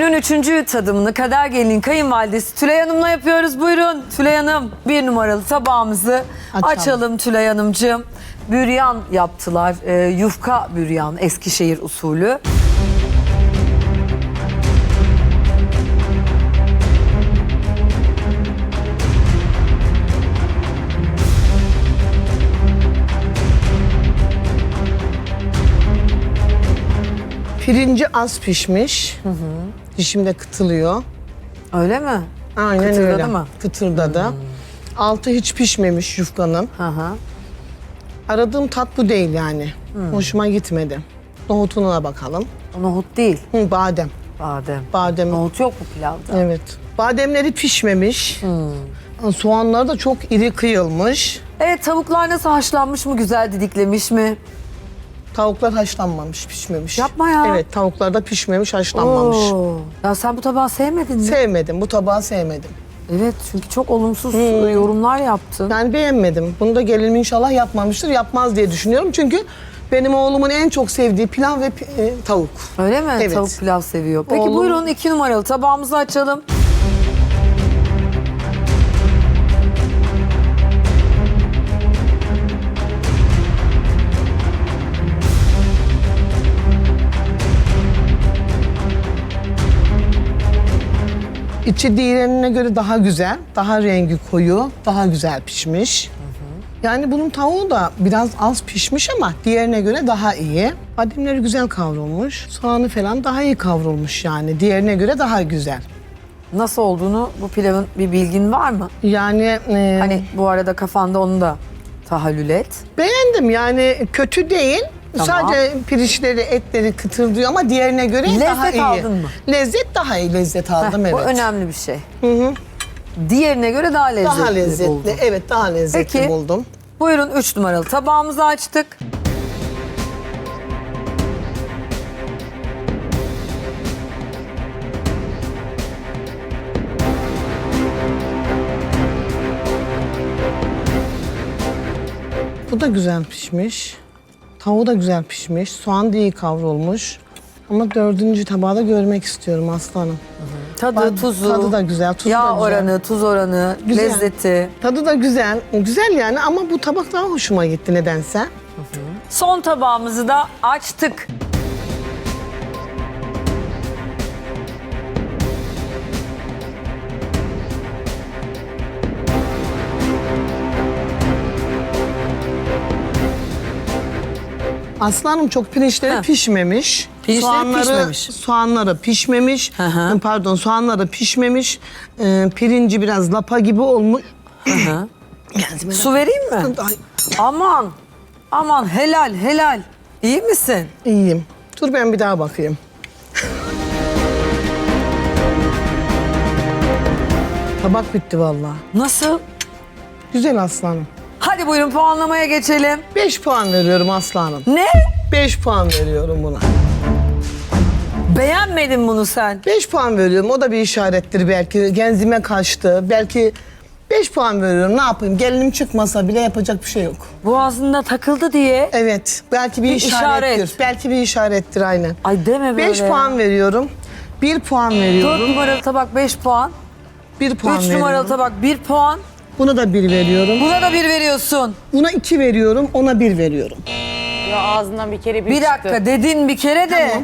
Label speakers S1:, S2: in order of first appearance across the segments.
S1: Günün 3. tadımını Kader Gelin'in kayınvalidesi Tülay Hanım'la yapıyoruz. Buyurun Tülay Hanım, 1 numaralı tabağımızı açalım Tülay Hanımcığım. Büryan yaptılar, yufka büryan, Eskişehir usulü.
S2: Pirinci az pişmiş. Dişimde kıtılıyor.
S1: Öyle mi?
S2: Aynen
S1: Kıtırdadı
S2: öyle.
S1: mı?
S2: Kıtırdadı. Altı hiç pişmemiş yufkanın.
S1: Hı hı.
S2: Aradığım tat bu değil yani. Hoşuma gitmedi. Nohutuna bakalım.
S1: Nohut değil,
S2: Badem.
S1: badem.
S2: Badem.
S1: Nohut yok mu pilavda?
S2: Evet. Bademleri pişmemiş. Soğanları da çok iri kıyılmış.
S1: Evet, tavuklar nasıl, haşlanmış mı, güzel didiklemiş mi?
S2: Tavuklar haşlanmamış, pişmemiş.
S1: Yapma ya.
S2: Evet, tavuklar da pişmemiş, haşlanmamış.
S1: Oo. Ya sen bu tabağı sevmedin mi?
S2: Sevmedim, bu tabağı sevmedim.
S1: Evet, çünkü çok olumsuz yorumlar yaptın.
S2: Ben beğenmedim. Bunu da gelinim inşallah yapmamıştır, yapmaz diye düşünüyorum. Çünkü benim oğlumun en çok sevdiği pilav ve tavuk.
S1: Öyle mi?
S2: Evet.
S1: Tavuk pilav seviyor. Peki
S2: Oğlum-
S1: buyurun 2 numaralı tabağımızı açalım.
S2: İçi diğerine göre daha güzel, daha rengi koyu, daha güzel pişmiş. Yani bunun tavuğu da biraz az pişmiş ama diğerine göre daha iyi. Bademleri güzel kavrulmuş, soğanı falan daha iyi kavrulmuş yani. Diğerine göre daha güzel.
S1: Nasıl olduğunu, bu pilavın bir bilgin var mı?
S2: Yani
S1: Hani bu arada kafanda onu da tahallül et.
S2: beğendim yani kötü değil.
S1: Tamam.
S2: Sadece pirinçleri, etleri kıtırdıyor ama diğerine göre daha
S1: Lezzet
S2: iyi.
S1: aldın mı?
S2: Lezzet daha iyi, lezzet aldım
S1: Heh,
S2: evet.
S1: Bu önemli bir şey. Diğerine göre daha lezzetli,
S2: Daha lezzetli,
S1: buldun.
S2: evet daha lezzetli
S1: Peki.
S2: buldum.
S1: Buyurun 3 numaralı tabağımızı açtık.
S2: Bu da güzel pişmiş. Tavuğu da güzel pişmiş. Soğan da iyi kavrulmuş. Ama 4. tabağı da görmek istiyorum aslanım.
S1: Tadı, tuzu,
S2: Tadı da güzel, tuzu
S1: yağ
S2: da güzel.
S1: oranı, tuz oranı,
S2: Güzel.
S1: lezzeti.
S2: Tadı da güzel. Güzel yani ama bu tabak daha hoşuma gitti nedense.
S1: Son tabağımızı da açtık.
S2: Aslanım çok pirinçleri
S1: Heh.
S2: pişmemiş.
S1: Pirinçleri pişmemiş.
S2: Soğanları pişmemiş.
S1: Hı hı.
S2: Pardon, soğanları pişmemiş. Pirinci biraz lapa gibi olmuş.
S1: Hı.
S2: Geldi
S1: Su vereyim mi?
S2: Ay,
S1: Aman, aman helal helal. İyi misin?
S2: iyiyim. Dur ben bir daha bakayım. Tabak bitti vallahi.
S1: Nasıl?
S2: Güzel aslanım.
S1: Hadi buyurun puanlamaya geçelim.
S2: 5 puan veriyorum aslanım.
S1: Ne?
S2: 5 puan veriyorum buna.
S1: Beğenmedin bunu sen.
S2: 5 puan veriyorum. O da bir işarettir belki. Genzime kaçtı. Belki 5 puan veriyorum. Ne yapayım? Gelinim çıkmasa bile yapacak bir şey yok.
S1: Boğazında takıldı diye.
S2: Evet. Belki bir
S1: Bir
S2: işarettir.
S1: işaret.
S2: Belki bir işarettir aynen.
S1: Ay deme böyle.
S2: 5 puan veriyorum. 1 puan
S1: 4
S2: veriyorum.
S1: numaralı tabak 5 puan.
S2: 1 puan
S1: 3
S2: veriyorum.
S1: numaralı tabak 1 puan.
S2: Buna da 1 veriyorum.
S1: Buna da 1 veriyorsun.
S2: Buna 2 veriyorum. Ona 1 veriyorum.
S3: Ya ağzından bir kere bir
S1: Bir
S3: çıktı.
S1: dakika dedin bir kere de.
S2: Tamam.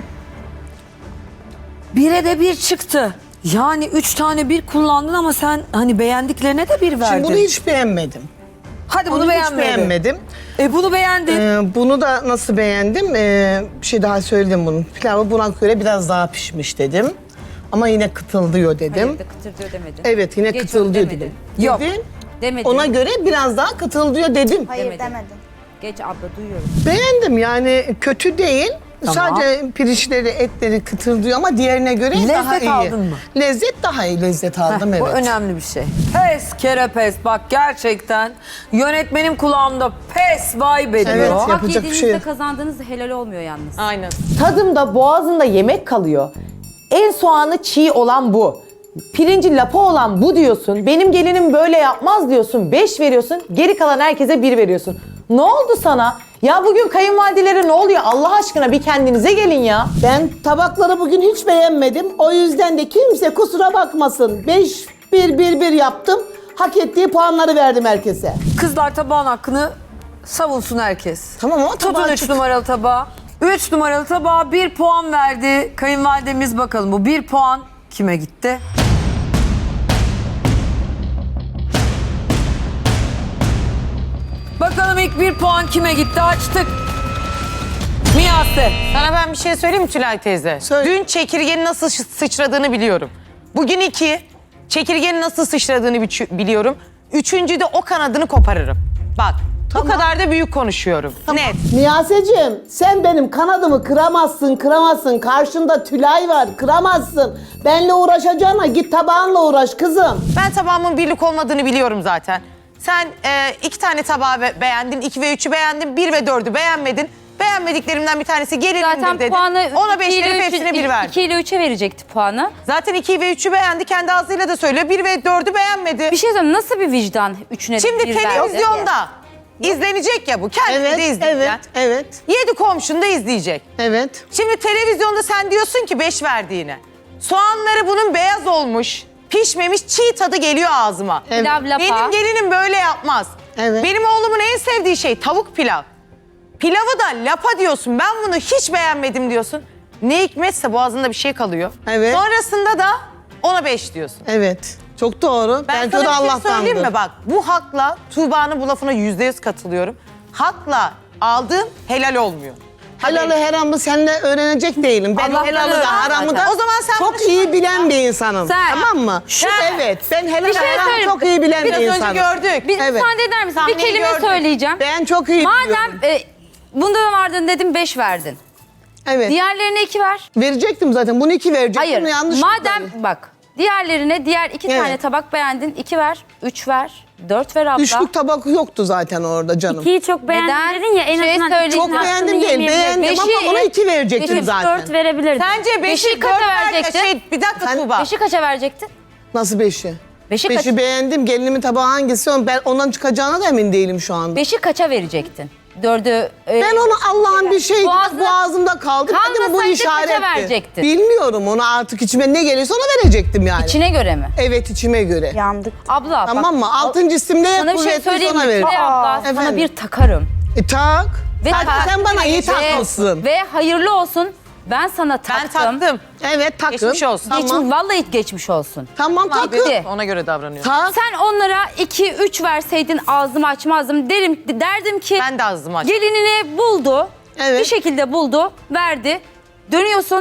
S1: 1'e de 1 çıktı. Yani 3 tane 1 kullandın ama sen hani beğendiklerine de 1 verdin.
S2: Şimdi bunu hiç beğenmedim.
S1: Hadi bunu
S2: Bunu hiç
S1: beğenmedin.
S2: beğenmedim.
S1: Bunu beğendin.
S2: Bunu da nasıl beğendim? Bir şey daha söyledim bunun. Pilavı buna göre biraz daha pişmiş dedim. Ama yine kıtıldıyor dedim.
S3: Hayır da kıtır demedin.
S2: Evet yine
S3: Geç
S2: kıtıldıyor
S3: onu demedin.
S2: dedim.
S1: Yok.
S2: Dedin.
S3: Demedin.
S2: Ona göre biraz daha kıtıldıyor dedim.
S4: Hayır
S3: Demedin.
S4: demedin.
S3: Geç abla duyuyorum.
S2: Beğendim yani kötü değil.
S1: Tamam.
S2: Sadece pirinçleri, etleri kıtırdıyor ama diğerine göre daha
S1: Lezzet
S2: iyi.
S1: aldın mı?
S2: Lezzet daha iyi, lezzet aldım
S1: Heh,
S2: evet.
S1: Bu önemli bir şey. Pes kere pes. Bak gerçekten yönetmenim kulağımda pes vibe ediyor.
S2: Evet,
S3: Hak
S2: yapacak bir şey
S3: yediğinizde
S2: yok.
S3: kazandığınız helal olmuyor yalnız.
S1: Aynen.
S5: Tadımda boğazında yemek kalıyor. En soğanı çiğ olan bu. Pirinci lapa olan bu diyorsun. Benim gelinim böyle yapmaz diyorsun. 5 veriyorsun. Geri kalan herkese 1 veriyorsun. Ne oldu sana? Ya bugün kayınvalidelere ne oluyor? Allah aşkına bir kendinize gelin ya.
S4: Ben tabakları bugün hiç beğenmedim. O yüzden de kimse kusura bakmasın. 5-1-1-1 yaptım. Hak ettiği puanları verdim herkese.
S1: Kızlar tabağın hakkını savunsun herkes.
S2: Tamam ama
S1: Tutun
S2: tabağı
S1: 3 numaralı tabağa. 3 numaralı tabağa 1 puan verdi. Kayınvalidemiz bakalım bu 1 puan kime gitti? Bakalım ilk 1 puan kime gitti? Açtık. Miyase.
S6: Sana ben bir şey söyleyeyim mi Tülay teyze?
S2: Söyle.
S6: Dün çekirgenin nasıl sıçradığını biliyorum. Bugün 2, çekirgenin nasıl sıçradığını biliyorum. 3'üncüde o kanadını koparırım. Bak, bu kadar da büyük konuşuyorum. Net.
S4: Miyaseciğim sen benim kanadımı kıramazsın. Karşında Tülay var, kıramazsın. Benle uğraşacağına git tabağınla uğraş kızım.
S6: Ben tabağımın birlik olmadığını biliyorum zaten. Sen 2 tane tabağı beğendin, 2 ve 3'ü beğendin, 1 ve 4'ü beğenmedin. Beğenmediklerimden bir tanesi gelinimdir
S3: Zaten
S6: dedin.
S3: puanı
S6: Ona 5 verip hepsine 1 verdin.
S3: 2 ile 3'e verecekti puanı.
S6: Zaten 2 ve 3'ü beğendi, kendi ağzıyla da söylüyor. 1 ve 4'ü beğenmedi.
S3: Bir şey söyleyeyim, nasıl bir vicdan 3'üne de
S6: Şimdi
S3: 1 verdi?
S6: televizyonda izlenecek ya bu. Kendini de
S2: Evet,
S6: izleyecek.
S2: evet.
S6: 7 komşun da izleyecek.
S2: Evet.
S6: Şimdi televizyonda sen diyorsun ki 5 verdiğine. Soğanları bunun beyaz olmuş, pişmemiş, çiğ tadı geliyor ağzıma.
S3: Pilav lapa.
S6: Benim gelinim böyle yapmaz.
S2: Evet.
S6: Benim oğlumun en sevdiği şey tavuk pilav. Pilavı da lapa diyorsun. Ben bunu hiç beğenmedim diyorsun. Ne hikmetse boğazında bir şey kalıyor.
S2: Evet.
S6: Sonrasında da ona 5 diyorsun.
S2: Evet. Çok doğru.
S6: Ben
S2: Belki o da
S6: sana bir şey
S2: Allah'tandır.
S6: söyleyeyim mi? Bak bu hakla Tuğba'nın bu lafına %100 katılıyorum. Hakla aldığın helal olmuyor.
S2: Helalı haramı seninle öğrenecek değilim. Ben
S1: Allah'tan
S2: helalı
S1: öğren
S2: da haramı da
S6: O zaman sen
S2: çok
S6: bunu
S2: iyi bilen bir insanım.
S1: Sen-
S2: Tamam mı? Evet. Ben helal
S3: şey
S2: haramı
S3: söyleyeyim.
S2: çok iyi bilen bir
S6: biraz önce
S2: insanım.
S6: gördük.
S3: Bir
S2: Evet.
S3: müsaade eder misin? Bir
S6: Sahneyi
S3: kelime
S6: gördük.
S3: söyleyeceğim.
S2: Ben çok iyi biliyorum.
S3: Madem bunda da vardın dedim 5 verdin.
S2: Evet.
S3: Diğerlerine 2 ver.
S2: Verecektim zaten. Bunu 2 verecektim.
S3: Hayır.
S2: Bunu yanlış
S3: Madem
S2: kullandım.
S3: bak diğerlerine diğer 2
S2: Evet.
S3: tane tabak beğendin 2 ver, 3 ver, 4 ver abla.
S2: Üçlük tabak yoktu zaten orada canım.
S7: İkiyi çok beğendim
S3: Neden?
S7: dedin ya en
S3: Şey
S7: azından
S3: söyleyeyim.
S2: Çok beğendim değil. Beğendim ama ona 2 verecektim
S3: Beşi
S2: zaten.
S7: 4 verebilirdin.
S6: Sence 5'i
S3: Beşi
S6: 4
S3: kaça
S6: ver.
S3: verecektin?
S6: Bir dakika
S2: Sen-
S6: Tuğba.
S3: 5'i kaça verecektin?
S2: Nasıl 5'i?
S3: 5'i kaç?
S2: 5'i beğendim. Gelinimin tabağı hangisi? Ben ondan çıkacağına da emin değilim şu anda.
S3: 5'i kaça verecektin? 4'ü
S2: Ben onu Allah'ın bir şeydi.
S3: Boğazına-
S2: Boğazımda kaldı. Dedim bu
S3: Kalmasaydı
S2: işaretti.
S3: kaça verecektin?
S2: Bilmiyorum onu artık içime ne gelirse ona verecektim yani.
S3: içine göre mi?
S2: Evet içime göre.
S7: Yandık.
S3: Abla
S2: Tamam
S3: bak,
S2: mı? Altıncı isim neye
S3: sana bir şey
S2: kuvvetliyse
S3: söyleyeyim mi?
S2: ona veririm.
S3: Tülay abla sana
S2: efendim.
S3: bir takarım.
S2: Tak.
S3: tak-
S2: Sen bana iyi
S3: Ve-
S2: takmışsın.
S3: Ve hayırlı olsun. Ben sana
S6: Ben
S3: taktım.
S6: taktım.
S2: Evet takın.
S6: Geçmiş olsun.
S2: Tamam.
S3: Vallahi geçmiş olsun.
S2: Tamam takın.
S3: Bitti.
S6: Ona göre davranıyor.
S2: Tak.
S3: Sen onlara 2-3 verseydin ağzımı açmazdım. Derdim ki
S6: Ben de ağzımı açtım.
S3: gelinini buldu.
S2: Evet.
S3: Bir şekilde buldu, verdi. Dönüyorsun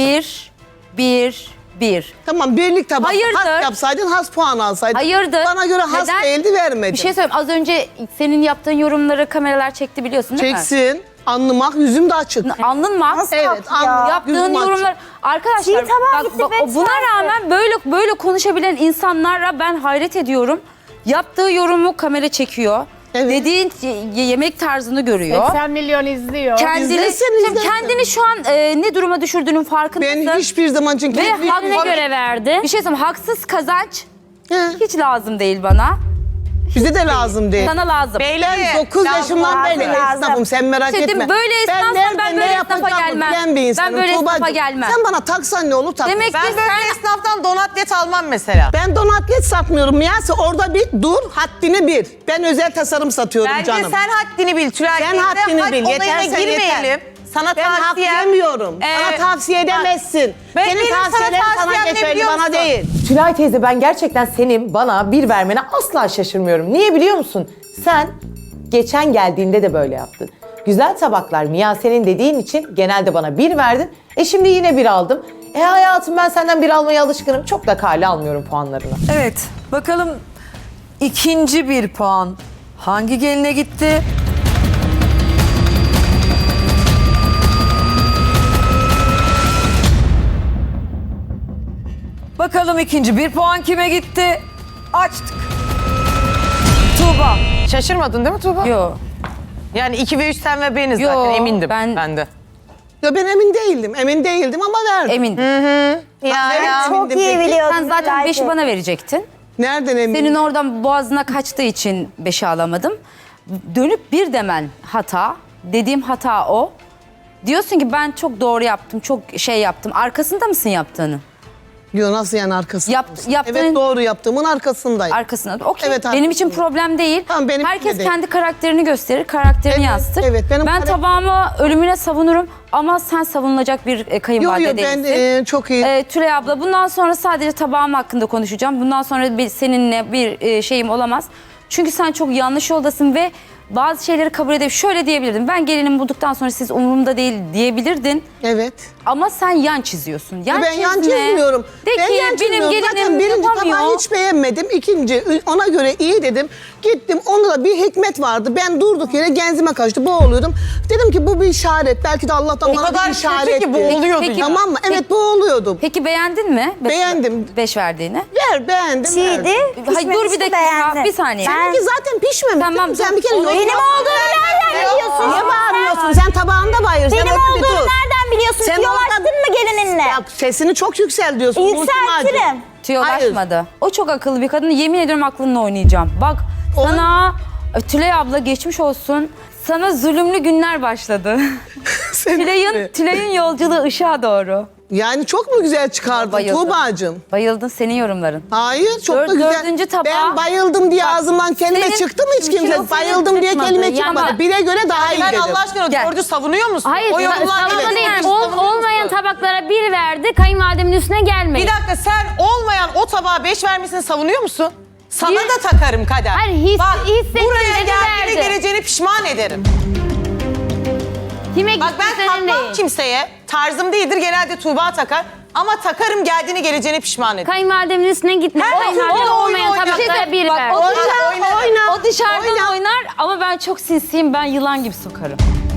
S3: 1.
S2: Tamam birlik tabak.
S3: Hayırdır?
S2: Has yapsaydın has puan alsaydın.
S3: Hayırdır?
S2: Bana göre has
S3: Neden?
S2: değildi vermedin.
S3: Bir şey söyleyeyim. Az önce senin yaptığın yorumları kameralar çekti biliyorsun değil mi?
S2: Çeksin. Anlamak yüzüm de açık.
S3: Alnın mı?
S2: Evet anlamak
S3: Yaptığın
S2: yüzüm açık.
S3: yorumlar arkadaşlar
S7: Çiğ tabağa gitti, beş
S3: buna
S7: verdi.
S3: rağmen böyle konuşabilen insanlara ben hayret ediyorum. Yaptığı yorumu kamera çekiyor.
S2: Evet.
S3: Dediğin yemek tarzını görüyor.
S8: 80 milyon izliyor.
S2: İzlesin.
S3: Kendini şu an ne duruma düşürdüğünün farkındasın.
S2: Ben hiçbir zaman çünkü...
S3: Ve hakkına
S7: göre verdi.
S3: Bir şey söyleyeyim, haksız kazanç
S2: He,
S3: hiç lazım değil bana.
S2: bize de lazım değil.
S3: Sana lazım.
S2: Ben 9 yaşımdan beri
S7: lazım.
S2: esnafım sen merak
S3: Dedim,
S2: etme.
S3: böyle esnafsan
S2: nerede
S3: ben
S2: ne
S3: böyle esnafa
S2: yapacağımı
S3: gelmem.
S2: bilen bir insanım,
S3: Ben böyle esnafa
S2: Tuğbacığım.
S3: gelmem.
S2: Sen bana taksan ne olur takma.
S3: Demek
S6: Ben
S3: ki
S6: böyle
S3: sen
S6: esnaftan donatlet almam mesela.
S2: Ben donatlet satmıyorum Miyase orada bir dur haddini bil. Ben özel tasarım satıyorum
S6: Bence
S2: canım.
S6: sen haddini bil Tülay
S2: Sen
S6: teyze.
S2: haddini
S6: Hak
S2: bil,
S6: olayına
S2: yeter sen
S6: girmeyelim.
S2: yeter.
S6: Sana
S2: Ben hak
S6: tavsiyem.
S2: yemiyorum. Bana tavsiye edemezsin.
S6: Ben-
S2: Senin
S6: benim sana
S2: tavsiyelerin sana
S6: tavsiyem ne
S2: geçerli
S6: biliyor
S2: bana
S6: musun?
S2: değil.
S5: Tülay teyze ben gerçekten senin bana 1 vermene asla şaşırmıyorum. Niye biliyor musun? Sen geçen geldiğinde de böyle yaptın. Güzel tabaklar Miyase'nin dediğin için genelde bana 1 verdin. Şimdi yine 1 aldım. Hayatım ben senden 1 almaya alışkınım. Çok da kale almıyorum puanlarını.
S1: Evet bakalım ikinci 1 puan hangi geline gitti? Bakalım ikinci 1 puan kime gitti? Açtık. Tuğba.
S6: Şaşırmadın değil mi Tuğba?
S3: Yok.
S6: Yani 2 ve 3 sen ve beniz
S3: Yo,
S6: zaten emindim
S3: ben-
S6: de.
S2: Ya ben emin değildim. Emin değildim ama verdim.
S3: Emindim.
S6: Ya.
S7: Çok iyi biliyordun.
S3: Sen zaten 5'i bana verecektin.
S2: Nereden emin?
S3: Senin oradan boğazına kaçtığı için 5'i alamadım. Dönüp 1 demen hata. dediğim hata o. Diyorsun ki ben çok doğru yaptım, çok şey yaptım. Arkasında mısın yaptığını?
S2: Diyor nasıl yani arkasında?
S3: Yaptığın-
S2: Evet doğru yaptığımın arkasındayım.
S3: Arkasında. Okey.
S2: Evet,
S3: benim için
S2: arkasındayım.
S3: problem değil.
S2: Tamam, benimki
S3: Herkes
S2: de değil.
S3: kendi karakterini gösterir, karakterini
S2: Evet,
S3: yansıtır.
S2: evet, benim
S3: ben
S2: karakterim-
S3: tabağımı ölümüne savunurum ama sen savunulacak bir
S2: Yok
S3: kayınvalide
S2: yok
S3: değilsin.
S2: ben çok iyi.
S3: Tülay abla bundan sonra sadece tabağım hakkında konuşacağım. Bundan sonra seninle bir şeyim olamaz. Çünkü sen çok yanlış yoldasın ve bazı şeyleri kabul edip şöyle diyebilirdin. Ben gelinimi bulduktan sonra siz umurumda değil diyebilirdin.
S2: Evet.
S3: Ama sen yan çiziyorsun. Yan
S2: Ben yan
S3: çizme.
S2: çizmiyorum.
S3: De
S2: Ben
S3: ki
S2: yan
S3: benim
S2: çizmiyorum. Zaten
S3: gelinim
S2: birinci
S3: yapamıyor.
S2: tabağı hiç beğenmedim. İkinci ona göre iyi dedim. Gittim onda da bir hikmet vardı. Ben durduk yere genzime kaçtı boğuluyordum. Dedim ki bu bir işaret. Belki de Allah'tan
S6: O
S2: bana
S6: kadar
S2: bir
S6: kötü
S2: işaret.
S6: ki boğuluyordun
S3: Peki-
S6: ya.
S2: Tamam mı? Evet boğuluyordum.
S3: Peki beğendin mi?
S2: Beğendim.
S3: 5 verdiğini.
S2: Beğendim.
S7: Çiğdi.
S3: Hayır, dur bir dakika, bir saniye.
S2: Seninki zaten pişmemiş.
S3: Tamam,
S2: değil mi? Sen bir kere
S3: dur.
S2: yorum
S7: Benim
S2: yapma.
S7: olduğunu nereden biliyorsun?
S2: Niye bağırıyorsun? Sen tabağında bağırıyorsun.
S7: Benim
S2: Sen orada bir
S7: olduğunu
S2: dur.
S7: nereden biliyorsun?
S2: Sen
S7: Tiyolaştın
S2: orada-
S7: mı gelininle?
S2: Ya sesini çok yüksel diyorsun.
S7: Yükseltirim.
S3: Tüyolaşmadı. O çok akıllı bir kadın. Yemin ediyorum aklınla oynayacağım. Bak sana Tülay abla geçmiş olsun. Sana zulümlü günler başladı. Tülay'ın yolculuğu ışığa doğru.
S2: Yani çok mu güzel çıkardın
S3: Bayıldım.
S2: Tuğba'cığım?
S3: Bayıldın senin yorumların.
S2: Hayır çok da güzel.
S3: Dördüncü tabağa-
S2: Ben bayıldım diye
S3: Bak,
S2: ağzımdan kelime
S3: senin-
S2: çıktı mı hiç
S3: şimdi
S2: kimse?
S3: senin
S2: Bayıldım diye
S3: çıkmadı.
S2: kelime
S3: Yani
S2: çıkmadı.
S3: bak-
S2: Bire göre daha iyi
S6: Ben
S2: dedim.
S6: Allah aşkına
S3: Gel.
S6: dördü savunuyor musun?
S8: Hayır,
S6: o yorumlar
S8: savunma
S6: evet.
S8: değil yani.
S6: Dördü savunuyor
S8: Olmayan
S6: musun?
S8: tabaklara 1 verdi, kayınvalidemin üstüne gelmeyin.
S6: Bir dakika sen olmayan o tabağa 5 vermesini savunuyor musun? Sana
S8: Bir-
S6: da takarım Kader.
S8: Hayır,
S6: Bak
S8: hissettim
S6: buraya
S8: dedi,
S6: geldiğinde
S8: verdi.
S6: geleceğini pişman ederim.
S8: Kime
S6: Bak
S8: gitti
S6: ben
S8: senin
S6: takmam
S8: değil.
S6: kimseye. Tarzım değildir genelde Tuğba takar. Ama takarım geldiğini geleceğini pişman ederim.
S8: Kayınvalidemin üstüne gitme.
S6: Her
S8: Kayınvalidem
S6: türlü
S8: olmayan
S6: oyun oynuyor.
S8: tabaklara 1
S3: Bak,
S8: verdi.
S3: o dışarıdan oynar ama ben çok sinsiyim. Ben yılan gibi sokarım.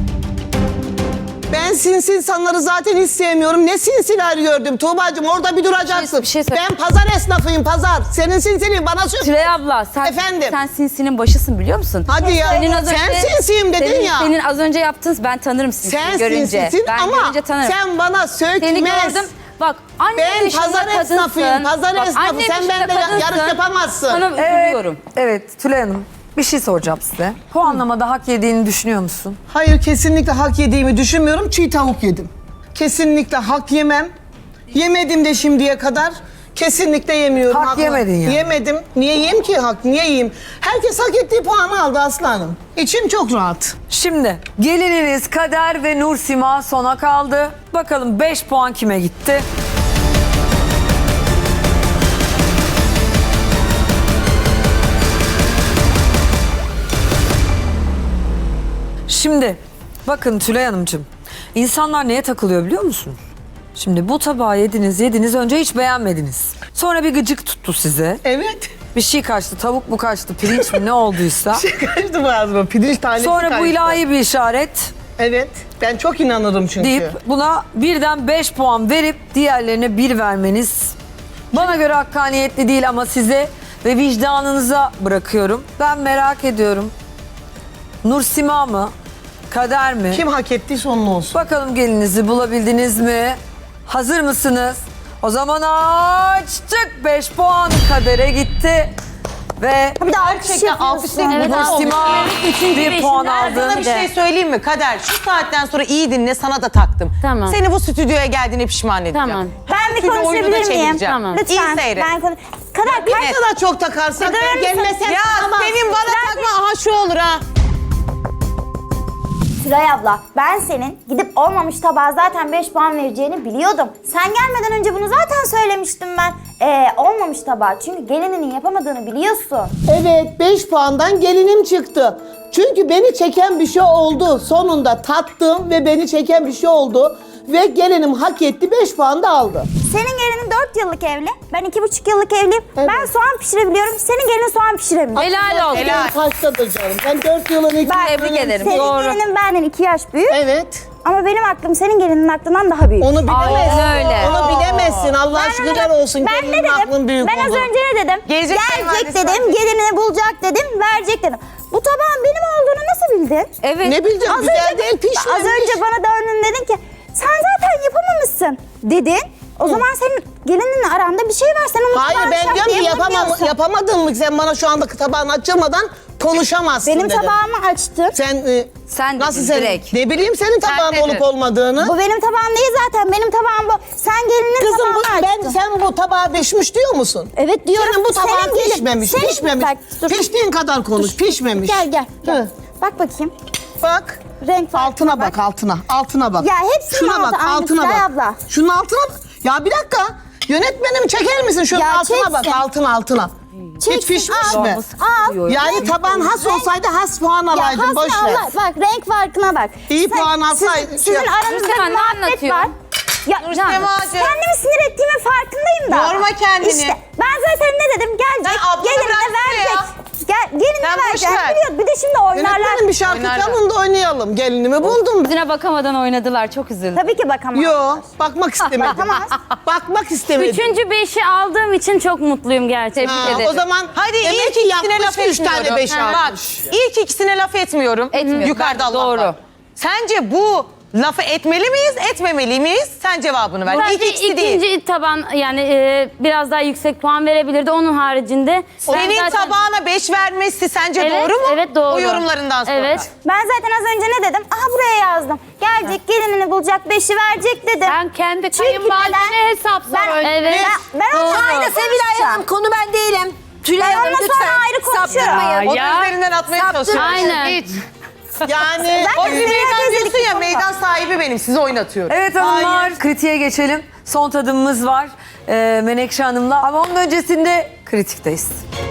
S2: Ben sinsi insanları zaten hiç sevmiyorum. Ne sinsiler gördüm Tuğba'cığım orada bir duracaksın.
S3: Bir şey söyle.
S2: Ben pazar esnafıyım pazar. Senin sinsiliğin bana söyle.
S3: Tülay abla sen,
S2: Efendim?
S3: sen sinsinin başısın biliyor musun?
S2: Hadi ya.
S3: Senin az önce,
S2: Sen sinsiyim dedin
S3: senin,
S2: ya.
S3: Senin az önce yaptığın ben tanırım sinsini
S2: Sen
S3: görünce.
S2: sinsisin
S3: Ben
S2: ama
S3: görünce tanırım.
S2: sen bana
S3: Seni
S2: sökmez.
S3: gördüm. Bak anne
S2: Ben
S3: dışında
S2: pazar
S3: kadınsın.
S2: esnafıyım, pazar
S3: Bak,
S2: esnafı.
S3: anne
S2: Sen
S3: dışında
S2: benimle
S3: kadınsın.
S2: yarış yapamazsın.
S3: Sana üzülüyorum.
S1: Evet Tülay Hanım bir şey soracağım size. Puanlamada hak yediğini düşünüyor musun?
S2: Hayır kesinlikle hak yediğimi düşünmüyorum. Çiğ tavuk yedim. Kesinlikle hak yemem. Yemedim de şimdiye kadar. Kesinlikle yemiyorum.
S1: Hak yemedin yani.
S2: Yemedim. Niye yiyeyim ki hak? Niye yiyeyim? Herkes hak ettiği puanı aldı aslanım. İçim çok rahat.
S1: Şimdi gelininiz Kader ve Nursima sona kaldı. Bakalım 5 puan kime gitti? Şimdi bakın Tülay Hanımcığım. İnsanlar neye takılıyor biliyor musun? Şimdi bu tabağı yediniz önce hiç beğenmediniz. Sonra bir gıcık tuttu size.
S2: Evet.
S1: Bir şey kaçtı, tavuk mu kaçtı, pirinç mi ne olduysa.
S2: Kaçtı boğazıma. Pirinç tanesi
S1: Sonra bu
S2: kaçtı.
S1: ilahi bir işaret
S2: Evet. Ben çok inanırım çünkü.
S1: deyip buna birden 5 puan verip diğerlerine 1 vermeniz bana göre hakkaniyetli değil ama size ve vicdanınıza bırakıyorum. Ben merak ediyorum. Nursima mı? Kader mi?
S2: Kim hak ettiyse onun olsun.
S1: Bakalım gelinizi bulabildiniz mi? Hazır mısınız? O zaman açtık. 5 puan Kader'e gitti. Ve
S7: Bir de alkış
S6: Gerçekten
S7: yapıyorsun.
S6: alkışlayın.
S8: Evet,
S1: Nursima
S8: Üçüncü,
S1: 1 puan
S8: beşinci
S1: aldı.
S6: Sana bir şey söyleyeyim mi Kader? Şu saatten sonra iyi dinle sana da taktım.
S8: Tamam.
S6: Seni bu stüdyoya geldiğine pişman edeceğim.
S8: Tamam.
S7: Ben bir
S6: Türlü oyunu da
S7: konuşabilir miyim?
S6: çevireceğim.
S8: Tamam.
S7: Lütfen.
S6: İyi seyret.
S7: Ben Kadar
S2: Ne
S7: kaç
S2: kadar çok takarsan
S7: Neden
S2: ben gelmesen
S6: Ya
S2: tamam.
S6: senin bana takma aha şu olur ha.
S7: Tülay abla, ben senin gidip olmamış tabağa zaten 5 puan vereceğini biliyordum. Sen gelmeden önce bunu zaten söylemiştim ben. Olmamış tabağa. Çünkü gelininin yapamadığını biliyorsun.
S4: Evet 5 puandan gelinim çıktı. Çünkü beni çeken bir şey oldu. Sonunda tattım ve beni çeken bir şey oldu. Ve gelinim hak etti 5 puan da aldı.
S7: Senin gelinin 4 yıllık evli. Ben 2,5 yıllık evliyim.
S4: Evet.
S7: Ben soğan pişirebiliyorum. Senin gelinin soğan pişiremiyor.
S3: Helal olsun.
S6: Helal.
S4: Kaçtadır canım. Ben 4 yılın iki
S3: Tebrik ederim.
S7: Senin
S3: Doğru.
S7: gelinin benden 2 yaş büyük.
S2: Evet.
S7: Ama benim aklım senin gelinin aklından daha büyük.
S2: Onu bilemezsin.
S3: Aynen öyle.
S2: Onu bilemezsin. Allah
S7: Ben
S2: şükürler
S7: onu-
S2: olsun.
S7: Ben ne
S2: Gelinin aklın
S7: dedim?
S2: büyük
S7: Ben az
S2: oldu.
S7: önce ne dedim?
S6: Gelecek kayınvalidesi
S7: dedim,
S6: var.
S7: gelinini bulacak dedim, verecek dedim. Bu tabağın benim olduğunu nasıl bildin?
S3: Evet.
S2: Ne bileceğim
S7: Az
S2: güzel
S7: önce-
S2: değil pişmemiş.
S7: Az önce bana döndün dedin ki sen zaten yapamamışsın dedin. O zaman senin gelininle aranda bir şey var. Sen onu
S2: Hayır ben diyorum ki yapamadın mı sen bana şu anda tabağın açılmadan konuşamazsın
S7: Benim
S2: dedim.
S7: tabağımı açtın.
S1: Sen
S2: Nasıl
S1: dedin
S2: sen?
S1: direkt.
S2: Ne bileyim senin tabağın
S6: dedin.
S2: olup olmadığını.
S7: Bu benim tabağım değil zaten. Benim tabağım bu. Sen gelinin
S2: Kızım
S7: tabağını açtın.
S2: sen bu tabağa pişmiş diyor musun?
S7: Evet diyorum.
S2: Senin bu tabağın
S7: Senin gelin-
S2: pişmemiş,
S7: senin-
S2: pişmemiş.
S7: Bak, dur.
S2: Piştiğin kadar konuş, pişmemiş.
S7: Gel.
S2: Hı.
S7: Bak bakayım.
S2: Bak.
S7: Renk farkına
S2: Altına bak, altına bak.
S7: Ya hepsinin
S2: Şuna
S7: altı
S2: bak,
S7: aynı
S2: altına
S7: Tülay
S2: bak.
S7: abla.
S2: Şunun altına bak. Ya bir dakika. Yönetmenim çeker misin? Şunun
S7: Ya
S2: altına bak,
S7: çeksin.
S2: altına. Hiç
S7: Çeksin,
S2: pişmiş
S7: al.
S2: mi?
S7: Al.
S2: Yani taban has olsaydı has puan alaydın, boş ver.
S7: Bak renk farkına bak.
S2: İyi puan alsaydın.
S7: Sizin aranızda
S3: Nursema,
S7: bir
S3: ne
S7: muhabbet
S3: anlatıyor?
S7: var. Ya,
S6: Nursemacığım.
S7: kendimi sinir ettiğimin farkındayım da.
S6: Yorma kendini.
S7: İşte ben zaten ne dedim? Gelecek,
S6: Sen ablanı
S7: gelin de
S6: bıraksana
S7: verecek.
S6: ya.
S7: Gelin de
S6: Sen boş
S7: verecek.
S6: ver.
S7: Biliyor, bir de şimdi oynarlar.
S2: Yönetmenim bir şarkı
S6: Oynarlar.
S2: çalın da oynayalım. Gelinimi buldum.
S3: Yüzüne bakamadan oynadılar. Çok üzüldüm.
S7: Tabii ki bakamam.
S2: Yo, bakmak istemedim.
S7: Bakamaz.
S2: Bakmak istemedim.
S8: 5'i aldığım için çok mutluyum gerçekten.
S2: Ha, o zaman
S6: Hadi
S2: demek
S6: ilk
S2: ki
S6: ikisine
S2: yapmış,
S6: laf
S2: 3 tane
S6: etmiyorum.
S2: 5
S6: Bak
S2: almış.
S6: ilk ikisine laf etmiyorum.
S3: Etmiyorum.
S6: Yukarıda
S3: Ben-
S6: Allah
S3: doğru.
S6: var. Sence bu lafı etmeli miyiz, etmemeli miyiz? Sen cevabını ver. İlk
S8: Sadece
S6: ikisi değil.
S8: ikinci taban yani biraz daha yüksek puan verebilirdi. Onun haricinde. ben
S6: Senin
S8: zaten-
S6: tabağına 5 vermesi sence
S8: Evet,
S6: doğru mu?
S8: evet, doğru.
S6: O yorumlarından sonra.
S8: Evet.
S7: Ben zaten az önce ne dedim? Aha buraya yazdım. Gelecek gelinini bulacak 5'i verecek dedim.
S8: Ben kendi
S7: Çünkü
S8: kayınvalidene
S7: neden?
S8: hesap
S7: Ben-
S8: soruyorum. Evet.
S7: Ben onunla
S1: Hayda
S7: ayrı
S1: Sevilay
S7: konuşacağım.
S1: Hanım, konu ben değilim. Tülay
S7: Ben
S1: Hanım
S7: onunla
S1: lütfen
S7: sonra ayrı konuşuyorum.
S1: saptırmayın.
S6: Onun
S8: Ya.
S6: üzerinden atmaya çalışıyorum.
S8: Aynen.
S2: Yani
S6: O bir
S7: Zaten
S6: meydan
S7: dedik
S6: diyorsun ya,
S7: konuda.
S6: meydan sahibi benim, sizi oynatıyorum.
S1: Evet hanımlar, kritiğe geçelim. Son tadımımız var Menekşe Hanım'la. Ama onun öncesinde kritikteyiz.